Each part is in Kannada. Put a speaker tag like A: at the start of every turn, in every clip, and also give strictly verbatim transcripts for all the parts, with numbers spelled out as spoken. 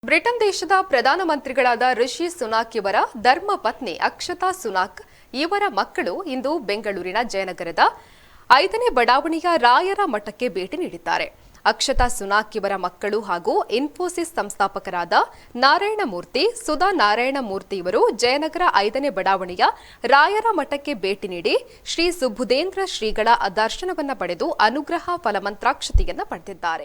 A: ಬ್ರಿಟನ್ ದೇಶದ ಪ್ರಧಾನಮಂತ್ರಿಗಳಾದ ರಿಷಿ ಸುನಾಕ್ ಇವರ ಧರ್ಮ ಪತ್ನಿ ಅಕ್ಷತಾ ಸುನಾಕ್ ಇವರ ಮಕ್ಕಳು ಇಂದು ಬೆಂಗಳೂರಿನ ಜಯನಗರದ ಐದನೇ ಬಡಾವಣೆಯ ರಾಯರ ಮಠಕ್ಕೆ ಭೇಟಿ ನೀಡಿದ್ದಾರೆ. ಅಕ್ಷತಾ ಸುನಾಕ್ ಇವರ ಮಕ್ಕಳು ಹಾಗೂ ಇನ್ಫೋಸಿಸ್ ಸಂಸ್ಥಾಪಕರಾದ ನಾರಾಯಣ ಮೂರ್ತಿ, ಸುಧಾ ನಾರಾಯಣ ಮೂರ್ತಿ ಇವರು ಜಯನಗರ ಐದನೇ ಬಡಾವಣೆಯ ರಾಯರ ಮಠಕ್ಕೆ ಭೇಟಿ ನೀಡಿ ಶ್ರೀ ಸುಬುಧೇಂದ್ರ ಶ್ರೀಗಳ ದರ್ಶನವನ್ನು ಪಡೆದು ಅನುಗ್ರಹ ಫಲಮಂತ್ರಾಕ್ಷತೆಯನ್ನು ಪಡೆದಿದ್ದಾರೆ.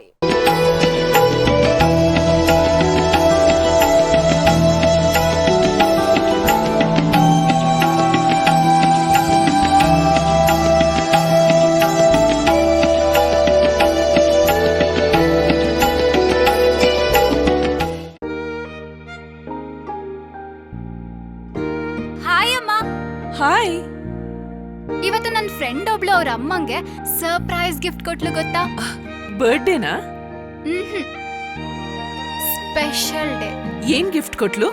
B: ಹಾಯ್ ಅಮ್ಮ.
C: ಹಾಯ್.
B: ಇವತ್ತು ನನ್ನ ಫ್ರೆಂಡ್ ಒಬ್ಳು ಅವ್ರ ಅಮ್ಮಂಗೆ ಸರ್ಪ್ರೈಸ್ ಗಿಫ್ಟ್ ಕೊಟ್ಲು ಗೊತ್ತಾ?
C: ಬರ್ಡೇನಾ?
B: ಹ್ಮ್ ಸ್ಪೆಷಲ್ ಡೇ.
C: ಏನ್ ಗಿಫ್ಟ್ ಕೊಟ್ಲು?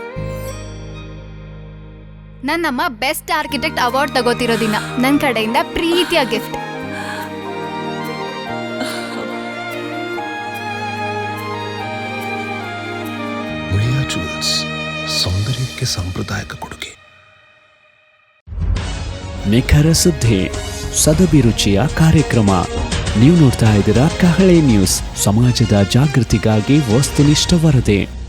B: ನನ್ನಮ್ಮ ಬೆಸ್ಟ್ ಆರ್ಕಿಟೆಕ್ಟ್ ಅವಾರ್ಡ್ ತಗೋತಿರೋ ದಿನ ನನ್ನ ಕಡೆಯಿಂದ ಪ್ರೀತಿಯ ಗಿಫ್ಟ್.
D: ಮುಳಿಯಾ ಜುವೆಲ್ಸ್, ಸೌಂದರ್ಯಕ್ಕೆ ಸಾಂಪ್ರದಾಯಿಕ ಕೊಡುಗೆ.
E: ನಿಖರ ಸುದ್ದಿ, ಸದಭಿರುಚಿಯ ಕಾರ್ಯಕ್ರಮ. ನೀವು ನೋಡ್ತಾ ಇದ್ದೀರಾ ಕಹಳೆ ನ್ಯೂಸ್, ಸಮಾಜದ ಜಾಗೃತಿಗಾಗಿ ವಸ್ತುನಿಷ್ಠ ವರದಿ.